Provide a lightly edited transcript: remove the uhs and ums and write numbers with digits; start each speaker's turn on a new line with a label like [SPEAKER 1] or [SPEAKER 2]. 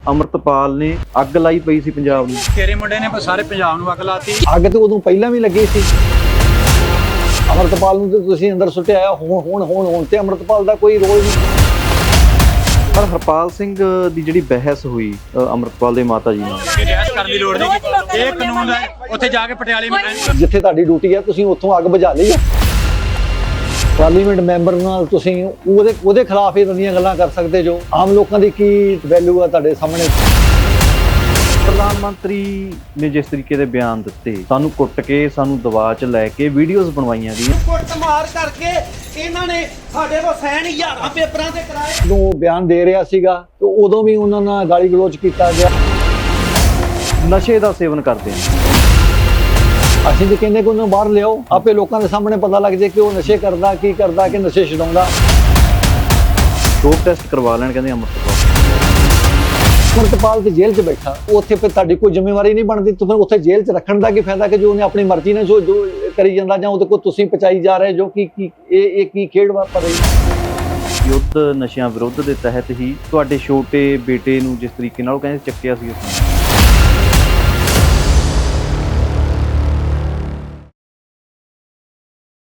[SPEAKER 1] ਅਮਰਤਪਾਲ ਨੇ ਅੱਗ ਲਾਈ ਪਈ ਸੀ ਪੰਜਾਬ ਨੂੰ।
[SPEAKER 2] ਤੇਰੇ ਮੁੰਡੇ ਨੇ ਸਾਰੇ ਪੰਜਾਬ ਨੂੰ ਅੱਗ ਲਾਤੀ।
[SPEAKER 3] ਅੱਗ ਤੇ ਉਦੋਂ ਪਹਿਲਾਂ ਵੀ ਲੱਗੀ ਸੀ। ਅਮਰਤਪਾਲ ਨੂੰ ਤੇ ਤੁਸੀਂ ਅੰਦਰ ਸੁੱਟਿਆ ਆ, ਹੁਣ ਤੇ ਅਮਰਤਪਾਲ ਦਾ ਕੋਈ ਰੋਲ ਨਹੀਂ।
[SPEAKER 1] ਪਰ ਹਰਪਾਲ ਸਿੰਘ ਦੀ ਜਿਹੜੀ ਬਹਿਸ ਹੋਈ ਅਮਰਤਪਾਲ ਦੇ ਮਾਤਾ ਜੀ ਨਾਲ,
[SPEAKER 2] ਰਿਆਇਤ ਕਰਨ ਦੀ ਲੋੜ ਨਹੀਂ, ਇਹ ਕਾਨੂੰਨ ਹੈ। ਉੱਥੇ ਜਾ ਕੇ ਪਟਿਆਲੇ
[SPEAKER 3] ਜਿੱਥੇ ਤੁਹਾਡੀ ਡਿਊਟੀ ਆ ਤੁਸੀਂ ਉੱਥੋਂ ਅੱਗ ਬੁਝਾ ਲਈ ਆ। ਪਾਰਲੀਮੈਂਟ ਮੈਂਬਰ ਨਾਲ ਤੁਸੀਂ ਉਹਦੇ ਖਿਲਾਫ ਇਹ ਦੀਆਂ ਗੱਲਾਂ ਕਰ ਸਕਦੇ ਜੋ ਆਮ ਲੋਕਾਂ ਦੀ ਕੀ ਵੈਲਿਊ ਆ ਤੁਹਾਡੇ ਸਾਹਮਣੇ।
[SPEAKER 1] ਪ੍ਰਧਾਨ ਮੰਤਰੀ ਨੇ ਜਿਸ ਤਰੀਕੇ ਦੇ ਬਿਆਨ ਦਿੱਤੇ, ਸਾਨੂੰ ਕੁੱਟ ਕੇ, ਸਾਨੂੰ ਦਬਾਅ 'ਚ ਲੈ ਕੇ ਵੀਡੀਓਜ਼ ਬਣਵਾਈਆਂ ਗਈਆਂ।
[SPEAKER 4] ਕੁੱਟ ਮਾਰ ਕਰਕੇ ਇਹਨਾਂ ਨੇ ਸਾਡੇ ਕੋਲ ਸਾਈਨ ਹਜ਼ਾਰਾਂ ਪੇਪਰਾਂ ਤੇ ਕਰਾਏ।
[SPEAKER 3] ਜਦੋਂ ਬਿਆਨ ਦੇ ਰਿਹਾ ਸੀਗਾ ਤੇ ਉਦੋਂ ਵੀ ਉਹਨਾਂ ਨਾਲ ਗਾਲੀ ਗਲੋਚ ਕੀਤਾ ਗਿਆ।
[SPEAKER 1] ਨਸ਼ੇ ਦਾ ਸੇਵਨ ਕਰਦੇ ਨੇ।
[SPEAKER 3] ਅਸੀਂ ਤੇ ਕਹਿੰਦੇ ਕਿ ਉਹਨੂੰ ਬਾਹਰ ਲਿਆਓ, ਆਪੇ ਲੋਕਾਂ ਦੇ ਸਾਹਮਣੇ ਪਤਾ ਲੱਗ ਜਾਏ ਕਿ ਉਹ ਨਸ਼ੇ ਕਰਦਾ, ਕੀ ਕਰਦਾ, ਕਿ ਨਸ਼ੇ ਛਡਾਉਂਦਾ।
[SPEAKER 1] ਡੋਪ ਟੈਸਟ ਕਰਵਾ ਲੈਣ ਕਹਿੰਦੇ ਅਮਰਤਪਾਲ।
[SPEAKER 3] ਅਮਰਤਪਾਲ ਤੇ ਜੇਲ੍ਹ 'ਚ ਬੈਠਾ, ਉੱਥੇ ਫਿਰ ਤੁਹਾਡੀ ਕੋਈ ਜ਼ਿੰਮੇਵਾਰੀ ਨਹੀਂ ਬਣਦੀ। ਤੁਸੀਂ ਉੱਥੇ ਜੇਲ੍ਹ 'ਚ ਰੱਖਣ ਦਾ ਕੀ ਫਾਇਦਾ ਕਿ ਜੋ ਉਹਨੇ ਆਪਣੀ ਮਰਜ਼ੀ ਨਾਲ ਜੋ ਕਰੀ ਜਾਂਦਾ, ਜਾਂ ਉਹਦੇ ਕੋਲ ਤੁਸੀਂ ਪਚਾਈ ਜਾ ਰਹੇ ਜੋ ਕਿ ਇਹ ਕੀ ਖੇਡ ਵਾਪਰ ਰਹੀ।
[SPEAKER 1] ਯੁੱਧ ਨਸ਼ਿਆਂ ਵਿਰੁੱਧ ਦੇ ਤਹਿਤ ਹੀ ਤੁਹਾਡੇ ਛੋਟੇ ਬੇਟੇ ਨੂੰ ਜਿਸ ਤਰੀਕੇ ਨਾਲ ਉਹ ਕਹਿੰਦੇ ਚੱਕਿਆ ਸੀ।